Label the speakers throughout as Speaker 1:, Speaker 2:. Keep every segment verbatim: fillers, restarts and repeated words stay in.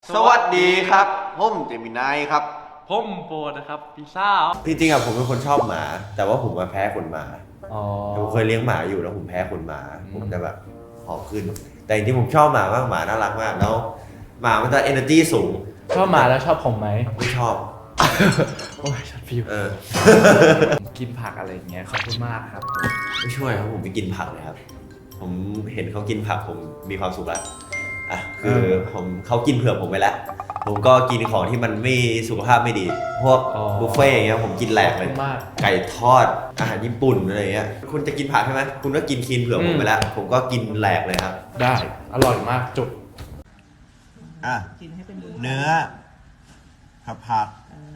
Speaker 1: สวัสดีครับผมเจมินายครับ
Speaker 2: ผมโปรดนะครับพิซซ่า
Speaker 3: จริงๆอะผมเป็นคนชอบหมา แต่ว่าผมมาแพ้ขนหมาผมเคยเลี้ยงหมาอยู่แล้วผมแพ้ขนหมาผมจะแบบหอบขึ้น แต่จริงๆผมชอบหมามากหมาน่ารักมากแล้วหมามันจะ energy สูง
Speaker 4: ชอบหมาแล้วชอบผมไหม
Speaker 3: ไม่ชอบ
Speaker 4: โอ้ยช็อตฟิว
Speaker 3: เออ
Speaker 4: กินผักอะไรอย่างเงี้ยขอบคุณมากครับ
Speaker 3: ไม่ช่วยครับผมไปกินผักเลยครับ ผมเห็นเขากินผักผมมีความสุขแล้วอ่ะคือผมเขากินเผื่อผมไปแล้วผมก็กินของที่มันไม่สุขภาพไม่ดี พวกบุฟเฟ่อย่างเงี้ยผมกินแหลกเลยไก่ทอดอาหารญี่ปุ่นอะไรเงี้ยคุณจะกินผักใช่ไหมคุณก็กินคีนเผื่อผมไปแล้วผมก็กินแหลกเลยครับ
Speaker 4: ได้อร่อยมากจุด
Speaker 3: อ่ะเนื้อผักผัก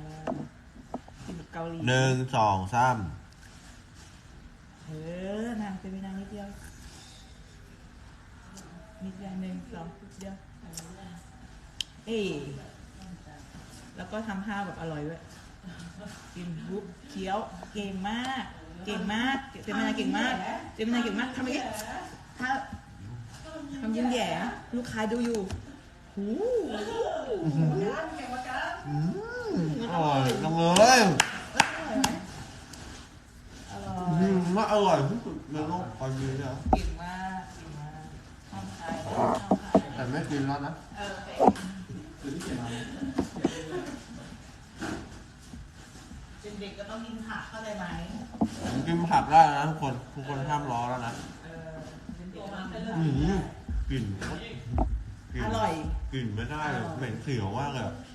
Speaker 3: หนึ่งสองสาม
Speaker 5: เออนางเป็นนางนิดเดียวนิดเดียวหนึ่งสองเดียวเอ๊แล้วก็ทำท่าแบบอร่อยด้วยกินบุ๊บเคี้ยวเก่งมากเก่งมากเจมินาเก่งมากเจมินาเก่งมากทำไมถ้าทำยิ้มแย่ลูกค้าดูอยู่หู
Speaker 3: อร่อยจังเลยว่าอร่อยที่สุดในโลกตอนนี้นะ
Speaker 5: เก่งมากเก่งมากทำไทย
Speaker 3: แต่ไม่กินแล้วนะ
Speaker 5: เป็นเด็กก็ต้องกินผักเข้าใจไหม
Speaker 3: กินผักได้นะทุกคนทุกคนห้ามล้อแล้วนะกลิ่น
Speaker 5: อร่อย
Speaker 3: กลิ่นไม่ได้เหม็นเสียวมากเลย